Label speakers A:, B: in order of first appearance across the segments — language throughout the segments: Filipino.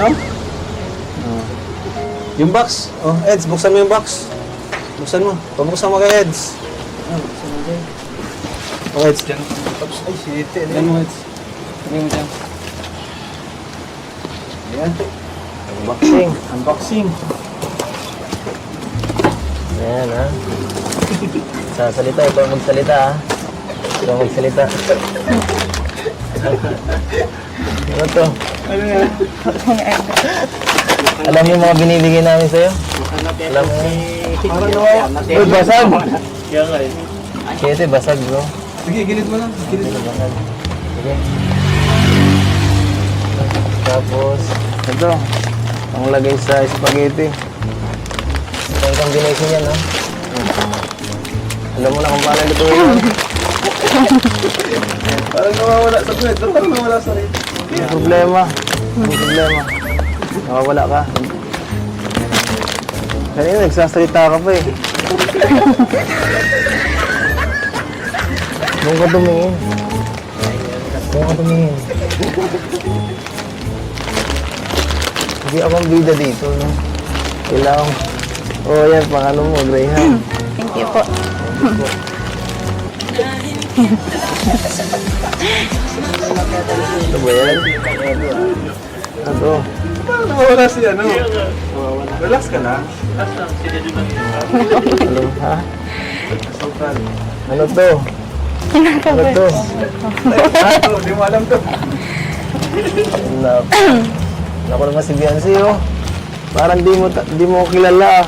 A: no? Oh. Yung box. Oh, Eds, buksan mo yung box. Buksan mo. Pabuksan mo kay Eds. Buksan mo kay. Oh, Eds. Ay, shit. Yan mo, Eds. Tingnan mo dyan. Ayan. Unboxing. Unboxing.
B: Ayan, ha? Sasalita, ito ang magsalita, ha? Ito ang magsalita. Ano to?
A: Ano yan?
B: Alam mo yung mga binibigay namin sa'yo? Alam mo yun?
A: Parang nawawa.
B: Uy, basag! Kete, basag, bro.
A: Sige, gilid mo lang. Gilid mo.
B: Basag. Sige. Tapos, ito. Ang lagay sa spaghetti. Ito ang combination yan, ha? Alam mo na kung paano ito yun.
A: Parang nawawala sa kwet. Parang nawawala sa rin.
B: May problema. May problema. Nakawala ka. Kanina nagsasalita ka pa eh. Doon ka tumingin. Doon ka tumingin. Hindi akong bida dito, no? Kailangan. Oh, yan, pang ano mo, Greyhound.
C: Thank you po.
B: Ito ba yan? Ito.
A: Parang nawawala si ano. Relax ka lang.
B: Ano, ha?
A: Sultan.
B: Ano to? Ano to?
A: Hindi mo alam to.
B: Naku naman si Beyonce, oh. Parang di mo kilala.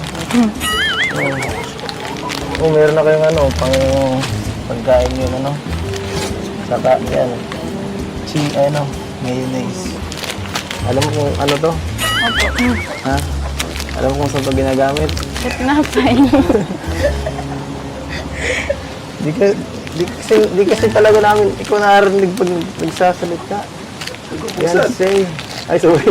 B: Oh, meron na kayong ano, pagkain yun, ano. Saka, yan. Ano, mayonnaise. Alam mo kung ano to?
C: Opo.
B: Ha? Alam mo kung saan to ginagamit?
C: Ba't napay?
B: Di kasi talaga namin, ikaw narinig pag nagsasalit ka. Beyonce. Ay, sorry.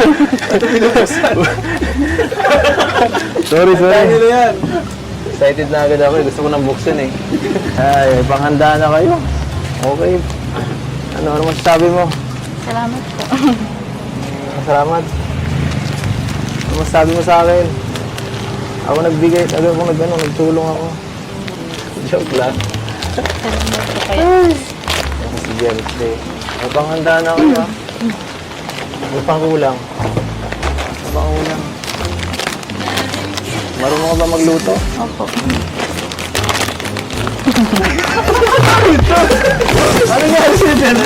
B: sorry.
A: Dahil yan.
B: Excited na agad ako. Gusto ko nang buksan eh. Ay, panghanda na kayo. Okay. Ano masasabi mo?
C: Salamat po.
B: Salamat. Ano masasabi mo sa akin? Ako nagbigay, nagtulong ako. Joke lang.
C: Salamat po kayo.
B: Si Beyonce. May panghanda na kayo ha. May pangkulang. May pangkulang. Marunong ka ba magluto?
C: Opo.
A: Ano nga si Jenna?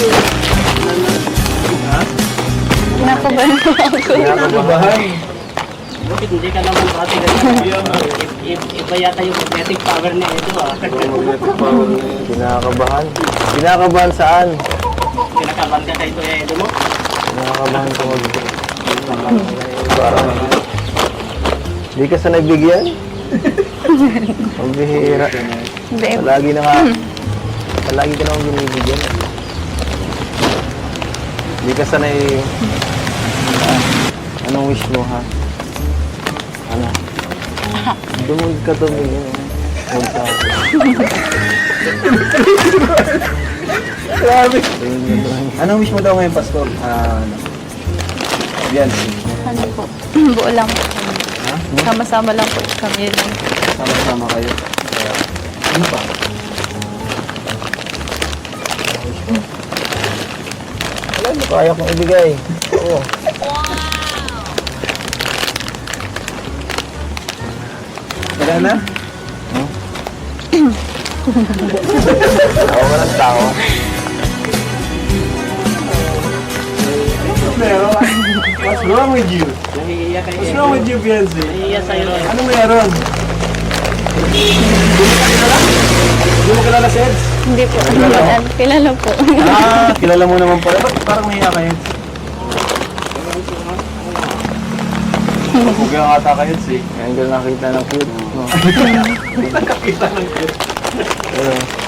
C: Nakabahan po ako.
B: Kinakabahan.
D: Bakit hindi ka naman pati iba yata yung magnetic power niya ito
B: Magnetic power na yun. Kinakabahan. Kinakabahan saan?
D: Kinakabahan ka sa ito mo?
B: Kinakabahan ko mag- Parang di ka sanay bigyan? Ang bihira.
C: Hindi.
B: Palagi na nga. Palagi ka naman binibigyan. Di ka sanay. Anong wish mo ha? Ano? Dumod ka tumingin. Huwag sa akin.
A: Grabe. Anong wish mo daw ngayon, Pastor? Beyonce.
C: Ano po? Buo lang po. Sama-sama lang po kami lang.
A: Sama-sama kayo. Ano pa?
B: Alam mo, kaya kong ibigay. Oo.
A: Wala na?
B: Ako ka ng tao.
A: What's wrong with you?
D: Nahihiya kayo.
A: What's wrong with you, Beyonce?
D: Nahihiya sa'yo.
A: Ano meron? Hindi mo kilala si Eds?
C: Hindi po. Kilala po.
A: Kilala mo naman pala. Ba't parang nahiya ka, Eds? Huwag yung ata ka, Eds eh.
B: Ngayon ko nakita ng cute. No?
A: Nakakita ng cute.
B: Pero,